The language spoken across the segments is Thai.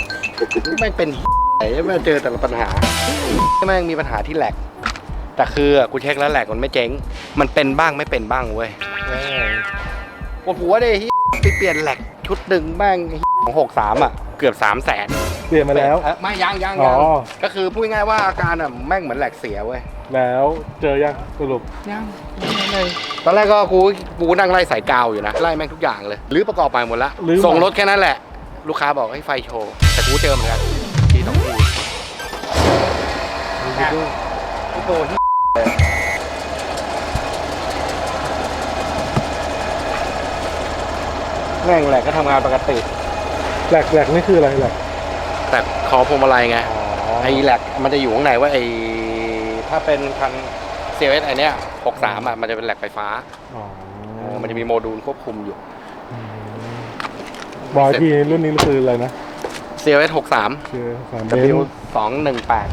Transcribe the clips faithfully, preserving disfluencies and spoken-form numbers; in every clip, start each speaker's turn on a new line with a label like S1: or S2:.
S1: แม่งเป็นไอ้แม่งเจอแต่ละปัญหาแม่งมีปัญหาที่แหลกแต่คือกูเช็คแล้วแหลกมันไม่เจ๊งมันเป็นบ้างไม่เป็นบ้างเว้ยปวดหัวเลยไปเปลี่ยนแหลกชุดหนึ่งแม่งของหกสามอ่ะเกือบสามแสน
S2: เปลี่ยนมาแล้ว
S1: ไม่ยังยังยังก็คือพูดง่ายว่าอาการอ่ะแม่งเหมือนแหลกเสียเว้ย
S2: แล้วเจอยังสรุป
S1: ยังเลยตอนแรกก็กูกูนั่งไล่สายกาวอยู่นะไล่แม่งทุกอย่างเลยรื้อประกอบไปหมดละส่งรถแค่นั้นแหละลูกค้าบอกให้ไฟโชว์แต่กูเจอเหมือนกันทีสองทีพี่โตที่แม่งแหลกก็ทำงานปกติ
S2: แหลกแหลกนี่คืออะไรแหลก
S1: แต่คอพวงมาลัยไงไอ้แหลกมันจะอยู่ข้างในว่าไอ้ถ้าเป็นคันเซเว่นไอเนี้ยหกสามอ่ะมันจะเป็นแหลกไฟฟ้ามันจะมีโมดูลควบคุมอยู่
S2: บอยที่รุ่นนี้คืออะไรนะ
S1: เซเว่นหกสาม ดับเบิลยู สองหนึ่งแปด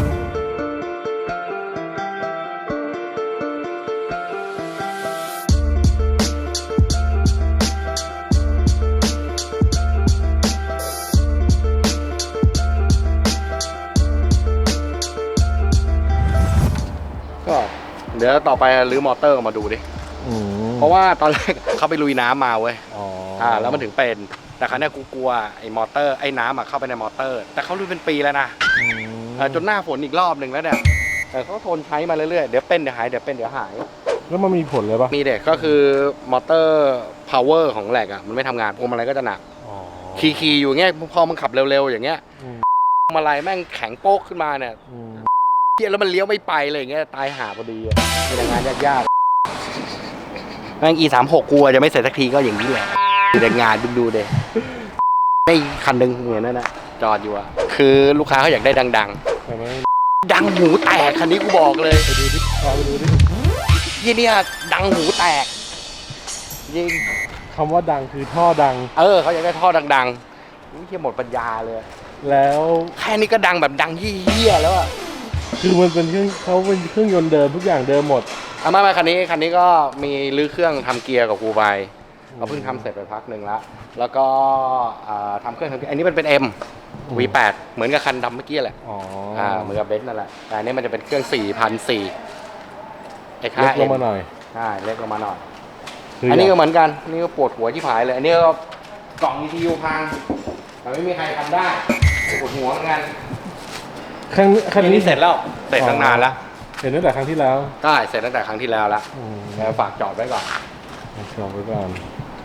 S1: ก็เดี๋ยวต่อไปรื้อมอเตอร์มาดูดิเพราะว่าตอนแรกเขาไปลุยน้ำมาเว้ยอ่าแล้วมันถึงเป็นแต่ครั้งนี้กูกลัวไอ้มอเตอร์ไอ้น้ำอ่ะเข้าไปในมอเตอร์แต่เขาลุยเป็นปีแล้วนะจนหน้าฝนอีกรอบหนึ่งแล้วเนี่ยแต่เขาทนใช้มาเรื่อยๆเดี๋ยวเป็นเดี๋ยวหายเดี๋ยวเป็นเดี๋ยวหาย
S2: แล้วมันมีผลเลยปะ
S1: มีเด็กก็คือมอเตอร์พาวเวอร์ของแหลกอ่ะมันไม่ทำงานพวงมาลัยก็จะหนักขี่ๆอยู่เงี้ยพอมันขับเร็วๆอย่างเงี้ยพวงมาลัยแม่งแข็งโป๊กขึ้นมาเนี่ยเที่ยแล้วมันเลี้ยวไม่ไปเลยอย่างเงี้ยตายหาพอดีมีแต่งานยากๆแม่ง อี สามหก กลัวจะไม่เสร็จสักทีก็อย่างนี้แหละมีแต่งานดูดูเด็ไอ้คันหนึ่งเหมือนนั่นนะจอดอยู่อะคือลูกค้าเขาอยากได้ดังๆดังหูแตกคันนี้กูบอกเลย
S2: ไปดูดิไปดูดิ
S1: ที่เนี่ยดังหูแตกยิง
S2: คำว่าดังคือท่อดัง
S1: เออเขาอยากได้ท่อดังๆนี่เที่ยหมดปัญญาเลย
S2: แล้ว
S1: แค่นี้ก็ดังแบบดังเหี้ยๆแล้วอะ
S2: คือมันเป็นเครื่องเขาเป็นเครื่องยนต์เดิมทุกอย่างเดิมหมด
S1: เอามามาคันนี้คันนี้ก็มีรื้อเครื่องทำเกียร์กับกูไปเราเพิ่งทำเสร็จไปพักหนึ่งแล้วแล้วก็ทำเครื่องทำเกียร์อันนี้มันเป็น M วี แปด เหมือนกับคันดำเมื่อกี้แหละอ๋อเหมือนกับเบนซ์นั่นแหละแต่อันนี้มันจะเป็นเครื่อง สี่พันสี่ร้อย เอ็กซ์ ห้า
S2: เล็กลงมาหน่อย
S1: ใช่เล็กลงมาหน่อยอันนี้ก็เหมือนกันนี่ก็ปวดหัวที่ผายเลยอันนี้ก็กล่อง อี ที ยู พังแต่ไม่มีใครทำได้ปวดหัวเหมือนกัน
S2: คันคันนี้
S1: เสร็จแล้วเสร็จตั้งนานแล้ว
S2: เห็นตั้งแต่ครั้งที่แล้ว
S1: ใช่เสร็จตั้งแต่ครั้งที่แล้วแล้วแล้วฝากจอดไว้ก่อน
S2: จอดไว้ก่อน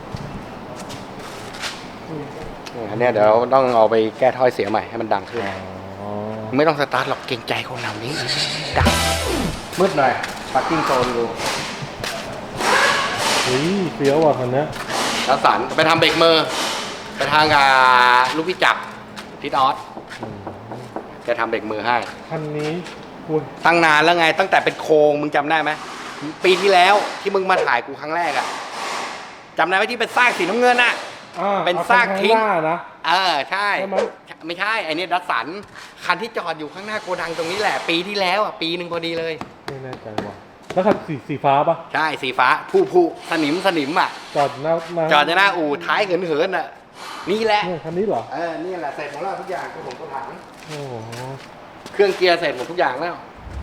S1: อันนี้เดี๋ยวต้องเอาไปแก้ถ้อยเสียใหม่ให้มันดังขึ้นไม่ต้องสตาร์ทหรอกเกรงใจคนเหล่านี้ดังมืดหน่อยพาร์กิ้งโซนดู
S2: เฮ้ยเฟี้ยวว่ะคันนี้
S1: แล้วสันไปทำเบรกมือไปทางกับลูกพี่จักรทิศออสจะทำเบรกมือให้
S2: คันนี้
S1: ตั้งนานแล้วไงตั้งแต่เป็นโครงมึงจำได้ไหมปีที่แล้วที่มึงมาถ่ายกูครั้งแรกอะจำได้ไหมที่เป็นซากสีน้ำเงินอะเป็นซากทิ้งนะเออใช่ไม่ใช่ไอ้นี่ดัสสันคันที่จอดอยู่ข้างหน้าโกดังตรงนี้แหละปีที่แล้วอ่ะปีหนึ่งพอดีเลย
S2: ไม่แน่ใจว่ะแล้วคันสีสีฟ้าปะ
S1: ใช่สีฟ้าผู้ผู้สนิมสนิมอ่ะ
S2: จอดหน้า
S1: จอดหน้าอู่ท้ายเหินเหินอ่ะนี่แหละ
S2: คันนี้เหรอ
S1: เออนี่แหละเสร็จหมดแล้วทุกอย่างคือผมก็ถังโอ้เครื่องเกียร์เสร็จหมดทุกอย่างแล้ว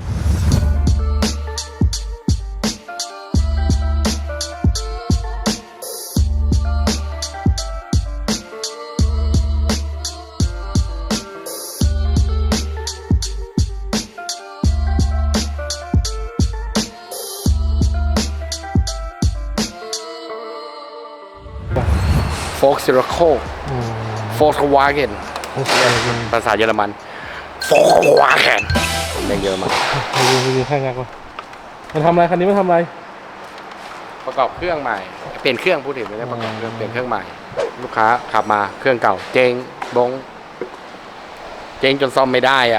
S1: โฟล์คซิโรโคโฟล์ควาเกนภาษาเยอรมันโฟล์ควาเกนเรียกเยอะมาก
S2: ไปดูไปดูแค่งักวะมันทำอะไรคันนี้มันทำอะไร
S1: ประกอบเครื่องใหม่เปลี่ยนเครื่องพูดถึงไม่ได้ประกอบเครื่องเปลี่ยนเครื่องใหม่ลูกค้าขับมาเครื่องเก่าเจ๊งบงเจ๊งจนซ่อมไม่ได้อ่ะ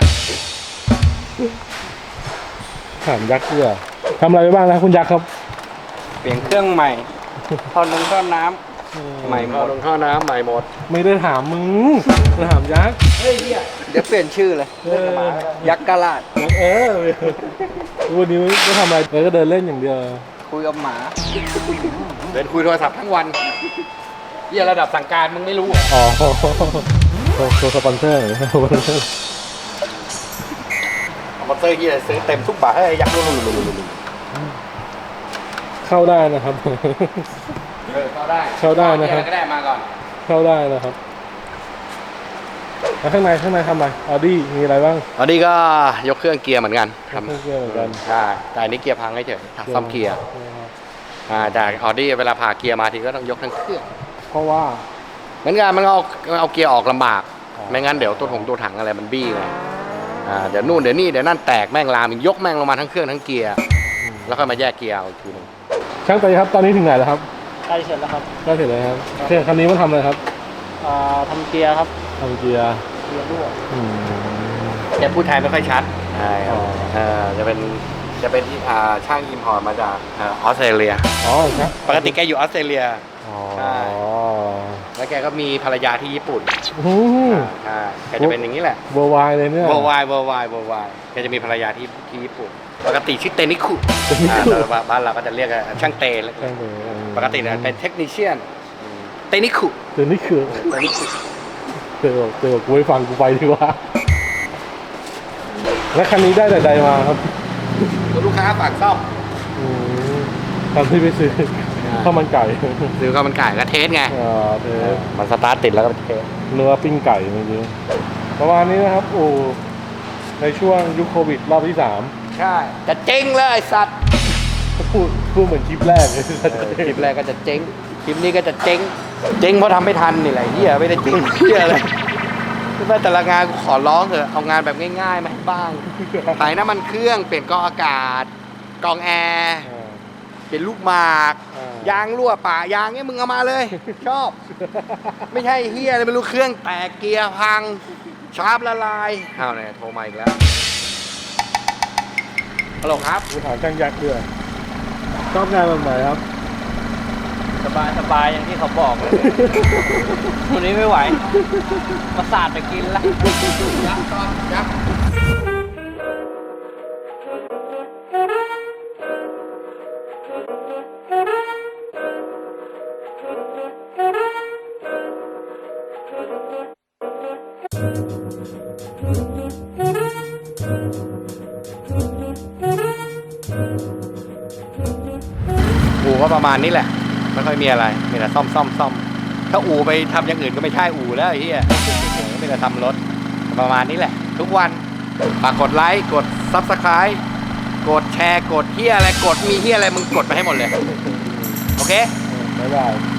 S2: ถามยักษ์ด้วยทำอะไรไปบ้างนะคุณยักษ์ครับ
S1: เปลี่ยนเครื่องใหม่ท่อนึงท่อน้ำใหม่หมดลงท่อน้ำใหม่หมด
S2: ไม่ได้ถามมึงถามยักษ์
S1: เฮ้ยเดี๋ยวเปลี่ยนชื่อเลยยักษ์กะลาด
S2: เออวันนี้ไม่ทำอะไรเลยก็เดินเล่นอย่างเดียว
S1: คุยกับหมาเดินคุยโทรศัพท์ทั้งวันเหี้ยระดับสั่งการมึงไม่รู้อ๋อ
S2: โชว์โชว์สปอนเซอร์หน่อยสปอนเซอร์
S1: มอเตอร์ที่ซื้อเต็มทุกบาทให้ยักษ์ลุลุลุลุลุ
S2: เข้าได้นะครับ
S1: เออเข้าได้
S2: เข้าได้นะครับ
S1: ก็ได้มาก่อน
S2: เข้าได้นะครับแล้วข้างในข้างในทำอะไรออดี้มีอะไรบ้าง
S1: อันนี้ก็ยกเครื่องเกียร์เหมือนกัน
S2: เครื่องเกียร์เหมือนกัน
S1: ใช่แต่อันนี้เกียร์พังเฉยๆซ่อมเกียร์อ่าแต่ออดี้เวลาผ่าเกียร์มาทีก็ต้องยกทั้งเครื่อง
S2: เพราะว่า
S1: เหมือนกันมันเอาเอาเกียร์ออกลำบาก
S2: อ๋อ
S1: ไม่งั้นเดี๋ยวตัวถงตัวถังอะไรมันบี้ไงอ่าเดี๋ยวนู่นเดี๋ยวนี่เดี๋ยวนั่นแตกแม่งลามอีกยกแม่งลงมาทั้งเครื่องทั้งเกียร์แล้วค่อยมาแยกเกียร์เอาอีกทีหนึง
S2: ช่างเตยครับตอนนี้ถึงไหนแล้วครับ
S3: ใกล้เสร็จแล้วครับ
S2: ก็เสร็จแล้วครับเครื่องคันนี้มันทำอะไรครับ
S3: อ่าทำเกียร์ครับ
S2: ทำเกียร์
S3: เกียร์รั่ว
S2: อืม
S1: แกพูดไทยไม่ค่อยชัดใช่ครับ
S2: อ๋อ
S1: เออจะเป็นจะเป็นที่อ่าช่างอิมพอร์ตมาจากเออออสเตรเลีย
S2: อ๋อครับ
S1: ปกติแกอยู่ออสเตรเลีย
S2: อ๋อ
S1: ใช่ แล้วแกก็มีภรรยาที่ญี่ปุ่น
S2: อืม
S1: ใช่แกจะเป็นอย่างนี้แหละ
S2: เวอร์ไวเลยเนี่ย
S1: เวอร์ไวเวอร์ไวเวอร์ไวแกจะมีภรรยาที่ที่ญี่ปุ่น ปกติชื่อเตนิคุ
S2: เตนิคุ
S1: อ่าแต่ว่าบ้านเราก็จะเรียกกันช่างเตเลย
S2: ช่างเตยอืม
S1: ปกติเนี่ยเป็นเทคนิชเชียนเตนิคุ
S2: เดี๋ยวนี้คือ
S1: เตนิคุ
S2: เจอบอกเจอบอกกูไม่ฟังกูไปดีกว่า แล้วคันนี้ได้แต่ใดมาครับ
S1: ตัวลูกค้าฝากซ่อม
S2: อืมตอนที่ไปซื้อข้าวมันไก่
S1: ซื้อข้าวมันไก่ก็เทสไง
S2: อ่าเทส
S1: มันสตาร์ทติดแล้วก็เทส
S2: เนื้อปิ้งไก่เมื่อกี้ประมาณนี้นะครับโอ้ในช่วงยุคโควิดรอบที่สาม
S1: ใช่จะเจ๊งเลยไอ้สัตว์
S2: พูดพูดเหมือนคลิปแรกเลย
S1: เออคลิปแรกก็จะเจ๊งคลิปนี้ก็จะเจ๊งเจ๊งเพราะทำไม่ทันนี่แหละเฮียไม่ได้เจ๊งเฮียเลยคือว่าแต่ละงานกูขอร้องเถอะเอางานแบบง่ายๆมาให้บ้างถ่ายน้ำมันเครื่องเปลี่ยนกรองอากาศกรองแอร์เปลี่ยนลูกหมาก ยางรั่วป่ายางเนี้ยมึงเอามาเลย ชอบ ไม่ใช่เฮียเลยไม่รู้เครื่องแตกเกียร์พังชาร์ปละลายอ้าวเนี่ยโทรมาอีกแล้วฮัลโหลครับ
S2: กูถามช่างยักษ์ด้วยชอบงานแบบไหนครับ
S3: สบายสบายอย่างที่เขาบอกเลย วันนี้ไม่ไหว มาสาดไปกินละ
S1: ยับก่อนยับ อู่ก็ประมาณนี้แหละไม่ค่อยมีอะไรมีแต่ซ่อมซ่อมซ่อมถ้าอู่ไปทำอย่างอื่นก็ไม่ใช่อู่แล้วไอ้เหี้ยไม่แต่ทำรถประมาณนี้แหละ ทุกวันฝากกดไลค์กดซับสไคร b ์กดแชร์กดเหี้ยอะไรกดมีเหี้ยอะไรมึงกดไปให้หมดเลยโอเค
S2: บ๊ายบาย